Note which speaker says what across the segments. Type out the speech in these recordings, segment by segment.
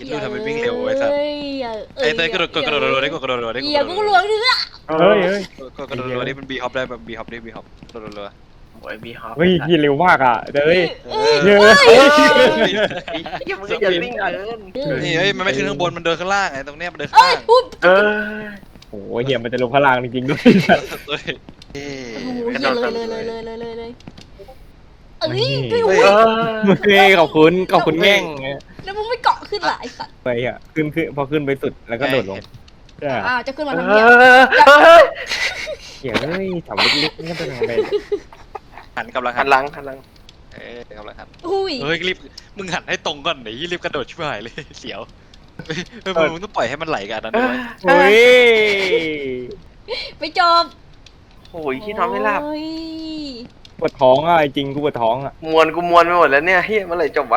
Speaker 1: คิดดูทำไมวิ่งเร็วไอ้สัสไอ้เต้ยกระโดดได้กดกระโดดได้กด
Speaker 2: อย่ากูหลวงเนื้อ
Speaker 3: เฮ้ยเฮ้ย
Speaker 1: กดกระโดดได้มันบีฮอปได้แบบบีฮอปได้บีฮอปกระโดดเลย
Speaker 4: โอ้ยบีฮอป
Speaker 3: เฮ้ยพี่เร็วมากอ่ะเฮ้ย
Speaker 2: เ
Speaker 3: เยอะ
Speaker 4: ยังมึงจะวิ่งเกิน
Speaker 1: นี่เฮ้ยมันไม่ขึ้นข้างบนมันเดินข้างล่างไงตรงเนี้ยมันเดินข้าง
Speaker 2: อ้ย
Speaker 1: ล่าง
Speaker 2: พูด
Speaker 4: เออ
Speaker 3: โอ้ยเหี้ยมันจะลงพลังจริงๆด้วย
Speaker 1: เฮ้ย
Speaker 2: โอ้โหเหี้ยเลยเอ้ย
Speaker 4: เอ
Speaker 2: อุ้ย
Speaker 4: อ
Speaker 3: เฮ้ยขอบคุณแง่ง
Speaker 2: แล้วมึงไม่เกาะขึ้นล่ะไอ้สัตว์
Speaker 3: ไปอ่ะขึ้นพอขึ้นไปสุดแล้วก็โดดลงใช่
Speaker 2: อ้าวจะขึ้นมา
Speaker 4: เอ
Speaker 2: ทำเหี้ย
Speaker 4: อ
Speaker 3: เหี้ยเฮ้ยทำเล็กๆนี่เป็นยังไง
Speaker 1: หันกำลัง
Speaker 4: หั
Speaker 1: หั
Speaker 4: น
Speaker 1: น
Speaker 4: หลังหันหลัง
Speaker 1: กำลังหัน
Speaker 2: อุ้ย
Speaker 1: เฮ้ยรีบมึงหันให้ตรงก่อนเดี๋ยวรีบกระโดดชิบหายเลยเสียวมึงต้องปล่อยให้มันไหลกันนั้นด้วย
Speaker 3: เฮ้ย
Speaker 2: ไปจบ
Speaker 4: โอ้ยที่นอนไม่หลับ
Speaker 2: โอ้ย
Speaker 3: ปวดท้องอ่ะจริงกูปวดท้องอ่ะ
Speaker 4: มวนกูมวนไปหมดแล้วเนี่ยเฮ้ยเมื่อไหร่จบวะ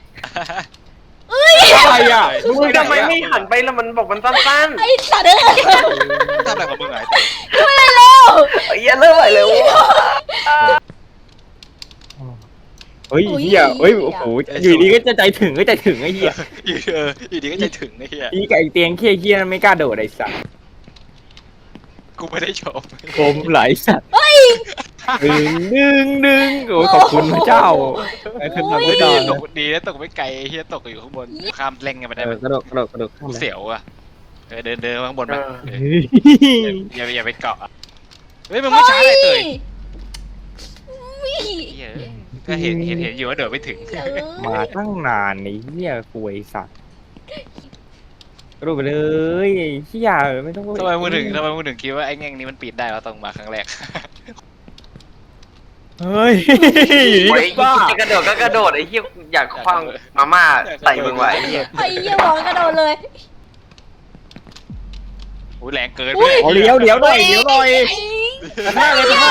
Speaker 3: อะไรอ่ะ
Speaker 4: มึงทำไมไม่หันไปแล้วมันบอกมันสั้น
Speaker 2: ไอ้สัตว์เอ้ย
Speaker 1: ทำอะไรของมึงไงแต่
Speaker 4: ๆไอ้เหี้ยเริ่มไหวเลยวะ
Speaker 3: เฮ้ยเหี้ยเฮ้ยโอ้โหอยู่ดีก็จะใจถึงไอ้เหี้ย
Speaker 1: อยู่ดีก็ใจถึงไอ้เหี้ย
Speaker 3: อีกับไอ้เตียงเคี้ยไม่กล้าโดดไอ้สัตว์
Speaker 1: กูไม่ได้ชม
Speaker 3: โคมไหลสัตว์ดึงโอ้ยขอบคุณพระเจ้าไอ้ขึ้นมาไม่
Speaker 1: ดี
Speaker 3: ได้
Speaker 1: ตกดีแล้วตกไม่ไกลไอ้เหี้ยตกอยู่ข้างบนข้ามเล่งกันไปได้ไหม
Speaker 3: กระโดดข้ามไป
Speaker 1: เสียวอ่ะเดินข้างบนไปอย่าไปเกาะเฮ้ยมึงไม่ช้าเลยเตย
Speaker 2: อุ้ย
Speaker 1: ก็เห็นอยู่ว่าเดินไม่ถึง
Speaker 2: เอ้ย
Speaker 3: มาตั้งนานไอ้เหี้ยกวยสัตว์กระโดดไปเลยไอ้เหี้ยไม่ต้อง
Speaker 1: ทำไมมึงถึงคิดว่าไอ้แง่งนี้มันปีนได้วะต้องมาครั้งแรก
Speaker 3: เฮ้ย
Speaker 4: โอ้ยจะกระโดดก็กระโดดไอ้เหี้ยอยากคว้างมาม่าใส่มึงไว้ไอ้เหี้ย
Speaker 2: ไอ้เหี้ยบอกกระโดดเลย
Speaker 1: โอ้ยแรงเกิน
Speaker 3: เอาเดี๋ยวหน่อย
Speaker 2: ไอ้
Speaker 3: ตะหน้าเลยถ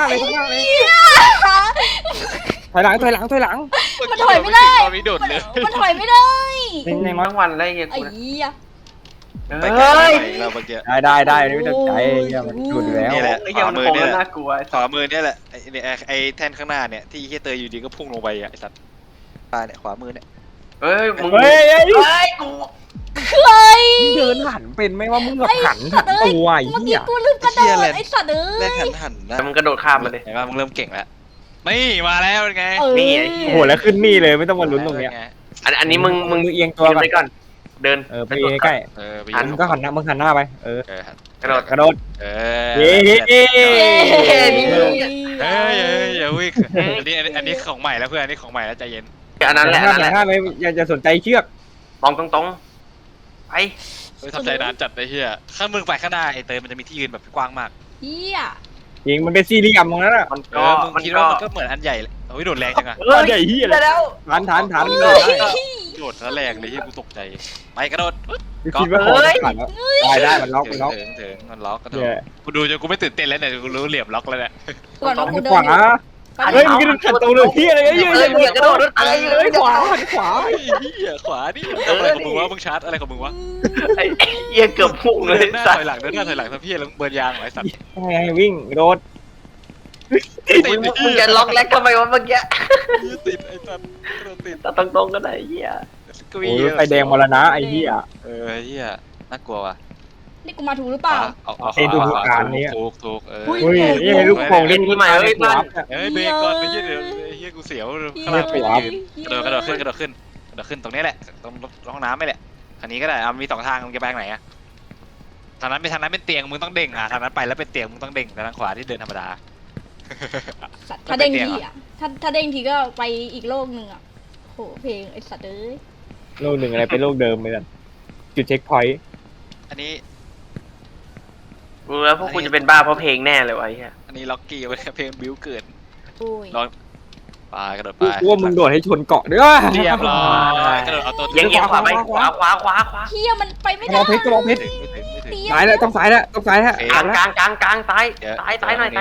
Speaker 3: อยหลัง
Speaker 2: มันถอยไม่ได้
Speaker 1: ตอนนี้โดดเลย
Speaker 2: มันถอยไม่ได้
Speaker 3: ในมั้
Speaker 4: ทั้งวันแล้วไอ้เหี้ย
Speaker 2: ไอ้
Speaker 4: กู
Speaker 2: เหี้ย
Speaker 1: ไปไกล
Speaker 4: เฮ้ย
Speaker 1: เราเมื่อกี้
Speaker 3: ได้ไม่ต้องใจมันจุดแล้ว
Speaker 1: นี่แหละ
Speaker 4: ไอ้เหี้ยมันโค้งแล้วน่ากลัว
Speaker 1: ขวามือเนี่ยแหละไอ้แท่นข้างหน้าเนี่ยที่เฮียเตยอยู่ดีก็พุ่งลงไปอ่ะไอ้สัตว์ตาเนี่ยขวามือเนี่ย
Speaker 4: เฮ้ยมึง
Speaker 3: เฮ้ย
Speaker 4: กู
Speaker 2: เฮ้ย
Speaker 3: เดินหันเป็นไหมว่ามึงแบบหันตัวไอ้
Speaker 2: เมื่อ
Speaker 3: เหี้
Speaker 2: กี้
Speaker 3: ย
Speaker 2: กูลืมกระโดดไอ้สัตว์เอ้
Speaker 1: แรก
Speaker 2: ย
Speaker 1: หันนะ
Speaker 4: แต่มึงกระโดดข้ามมาเลย
Speaker 1: เห็นป่ะมึงเริ่มเก่งแล้วนี่มาแล้วเป็นไง
Speaker 4: นี่ไอ้เหี้ย
Speaker 3: โอ้โหแล้วขึ้นนี่เลยไม่ต้องมาลุ้นตรงเนี้ย
Speaker 4: อันนี้มึง
Speaker 3: มึงเอียงตัว
Speaker 4: ยืน
Speaker 3: ก่อน
Speaker 4: ไปก่อน เดิน
Speaker 3: ไปใกล้
Speaker 1: ไป
Speaker 3: มึงก็หันหน้ามึงหันหน้าไป
Speaker 4: กระโดด
Speaker 3: กระโดด
Speaker 1: เอ
Speaker 3: เย้
Speaker 1: อย่าวิ่งอันนี้ของใหม่แล้วเพื่อนอันนี้ของใหม่แล้วใจเย็น
Speaker 4: อันนั้นแหละ
Speaker 3: หันหน้าไปอย่าจะสนใจเชือก
Speaker 4: มองตรงๆไป
Speaker 1: ทำใจนานจัดไอ้เหี้ยข้างมึงไปข้างหน้าไอ้เตยมันจะมีที่ยืนแบบกว้างมาก
Speaker 2: เหี้ย
Speaker 3: จริงมันเป็นสี่เหลี่ยมตรงนั้นอ่ะ
Speaker 4: มัน
Speaker 1: เอ
Speaker 4: ก็
Speaker 1: อมึงคิดว่ามันก็เหมือนอันใหญ่โอ้ยโดดแรงจังอะ
Speaker 3: ใหญ่เหี้ยเลย
Speaker 4: ได้แล้ว
Speaker 3: ฐาน
Speaker 1: โดดแล้วแรงเลยที่กูตกใจไปกระโดด
Speaker 3: คิดว่าของขาดแล้วได้มันล็อกมันล็อก
Speaker 1: ถึงมันล็อกกระโดดกูดูจนกูไม่ตื่นเต้นแล้วเนี่ยกูรู้เหลี่ยมล็อกแล้วเนี่ย
Speaker 2: ก่อนว่ากูเดิ
Speaker 3: ขวาน เฮ้ยมึงจะขัดตรงเลยที่อะไรเยอะ
Speaker 4: กระโดดอะไร
Speaker 3: เลยขวา
Speaker 1: ไอ้เหี้ยขวานี่อะไรของมึงวะมึงชาร์จอะไรของมึงวะ
Speaker 4: ไอ้เหี้ยเกือบพุ่งเลย
Speaker 1: เดินหน้า
Speaker 4: สัต
Speaker 1: ถอย
Speaker 4: ว์
Speaker 1: หลังเดินหน้าถอยหลังทำพี่แล้วเบิร์นยางไอ้สัตว์
Speaker 3: ไงวิ่งโดด
Speaker 4: มึงจะล็อกแล็กทำไมวะเมื่อกี้
Speaker 1: ติดไอ้สัตว์ติด
Speaker 4: แต่ตรงๆก็ได้เหี้ย
Speaker 1: กุ
Speaker 3: โอ้ยไฟแดงมรณะไอ้เหี้ย
Speaker 1: เหี้ยน่ากลัวว่ะ
Speaker 2: นี่กูมาถูกหรือเปล่า
Speaker 1: ถูก
Speaker 3: อุ้ยนี่ลูกโป่งเล่นที่ใหม่เฮ้ยบ้าน
Speaker 1: เบรกก่อนไอ้เหี้ยเดี๋ยวไอ้เหี้ยกูเสียวข้างล่างไปยืนกระโดดขึ้นตรงนี้แหละตรงห้องน้ำไม่แหละคันนี้ก็ได้มี2ทางมึงจะไปทางไหนอะทางนั้นเป็นเตียงมึงต้องเด้งทางนั้นไปแล้วเป็นเตียงมึงต้องเด้งแต่ทางขวาที่เดินธรรมดา
Speaker 2: ถ้าเด้งทีอ่ะถ้าเด้งทีก็ไปอีกโลกหนึ่งอ่ะโหเพลงไอ้สัตว์เอ้ย
Speaker 3: โลกหนึ่งอะไรเป็นโลกเดิมเลยกันจุดเช็คพอยต์
Speaker 1: อันนี้
Speaker 4: รู้แล้วพวกคุณจะเป็นบ้าเพราะเพลงแน่เลยวะไอ้เหี้ย
Speaker 1: อันนี้ล็อกกี้ไว้เพลงบิวเกิด
Speaker 2: โอ้ย
Speaker 1: ลองไปกระโดดไป
Speaker 3: กูว่ามึงโดดให้ชนเกาะด้วย
Speaker 1: เรียบร้อยกระโดดเอาตัว
Speaker 4: เยังขวาไปขวา
Speaker 2: เฮียมันไปไม่
Speaker 3: กระ
Speaker 2: ได้
Speaker 3: บอกเพชรกระบอกเพชร
Speaker 1: ไม่ถึง
Speaker 3: ซ้ายแล้วต้องซ้ายแล้วต้องซ้ายแล้ว
Speaker 4: กลางซ้ายหน่อย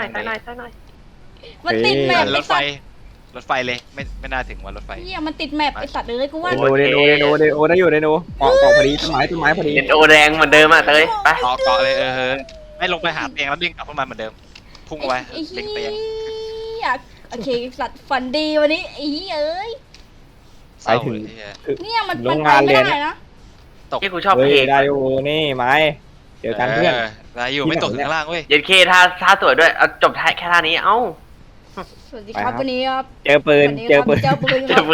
Speaker 2: มันติดแมป
Speaker 1: ร
Speaker 2: ไอ้
Speaker 1: ถไฟ
Speaker 2: สัตว์
Speaker 1: รถไฟเลยไม่น่าถึงวันรถไฟ
Speaker 2: เฮียมันติดแมปไอ้สัตว์เอ้ยกูว่า
Speaker 3: เดโนได้อยู่เดโนเกาะพอดีต้นไม้พอดี
Speaker 4: เอ็นโอแดงเหมือนเดิมอ่ะเตยไป
Speaker 1: เกาะเลยไม่ลงไปหาเตียงแล้วดิ่งกลับขึ้นมาเหมือนเดิมพุ่งไว้
Speaker 2: ไอ้เฮี
Speaker 1: เล็งเตียง
Speaker 2: ยโอเคสัตว์ฝันดีวันนี้ไอ้เฮียเอ้ย
Speaker 1: เศร้า
Speaker 3: ไปถึง
Speaker 1: เลยเหี้ย
Speaker 2: เนี่ยมัน
Speaker 3: โร
Speaker 2: มัน
Speaker 3: ง
Speaker 2: ไป
Speaker 3: งาน
Speaker 2: ไม่
Speaker 3: เลย
Speaker 2: ได้
Speaker 3: นะ
Speaker 2: นะ
Speaker 4: ที่กูชอบ
Speaker 3: เฮ้
Speaker 4: เพ
Speaker 3: ย
Speaker 4: ลง
Speaker 3: ได้โอ้นี่ไม้เจอกันเพื่อน
Speaker 1: ได้อยู่ไม่ตกถึงข้างล่างเว้ย
Speaker 4: เย็นเคท่าสวยด้วยเอาจบแค่ท่านี้เอ้า
Speaker 2: สวัสดีครับวันนี้ครับ
Speaker 3: เจอปืน
Speaker 2: วันนี้
Speaker 3: เจ
Speaker 2: ค
Speaker 3: อ
Speaker 2: รับ
Speaker 3: ปืน
Speaker 2: เจอปืน
Speaker 4: เจ
Speaker 2: ครั
Speaker 4: อบ ปืน